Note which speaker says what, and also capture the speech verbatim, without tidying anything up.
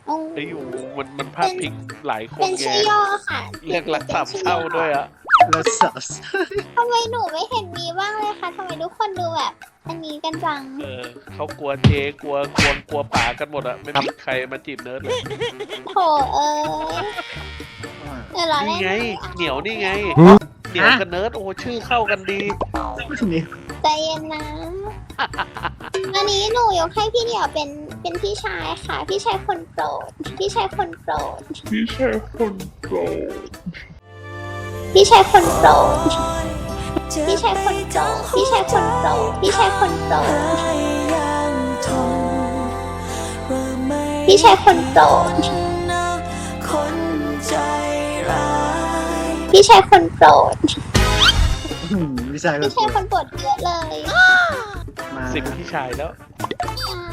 Speaker 1: ไอ้อยู่มันมันพลาดพิงหลายคน
Speaker 2: เป็น
Speaker 1: ไง
Speaker 2: ชื่อย่อค่ะ
Speaker 1: เรียกรักสามเศร้าด้วยอะ
Speaker 3: แล้วสัส
Speaker 2: ทำไมหนูไม่เห็นมีบ้างเลยคะทำไมทุกคนดูแบบ อันนี้กันจัง
Speaker 1: เออเขากลัวเจกลัวกลัวกลัวป่ากันหมดอะไม่มีใครมาจีบเนิร์ดเลย
Speaker 2: โถเอ้ยเดี๋ยวเราเล่
Speaker 1: นี่
Speaker 2: น
Speaker 1: ไง เหนียวนี่ไงเหนียวกับเนิร์ดโอ้ชื่อเข้ากันดี
Speaker 3: นี่
Speaker 2: ใจเย็นนะอันนี้หนูยกให้พี่เดี่ยวเป็นเป็นพี่ชายค่ะ พี่ชายคนโปรด พี่ชายคนโปรด
Speaker 1: พี่ชายคนโปรด
Speaker 2: พี่ชายคนโปรด พี่ชายคนโปรด พี่ชายคนโปรด พี่ชายคนโปรด พี่ชายคนโปรด พี่ชายคนโปรด
Speaker 3: พี่ชาย
Speaker 2: พี่ชายคนโปรดเยอะเลย
Speaker 3: มา
Speaker 1: สิบพี่ชายแล้ว
Speaker 2: ใช่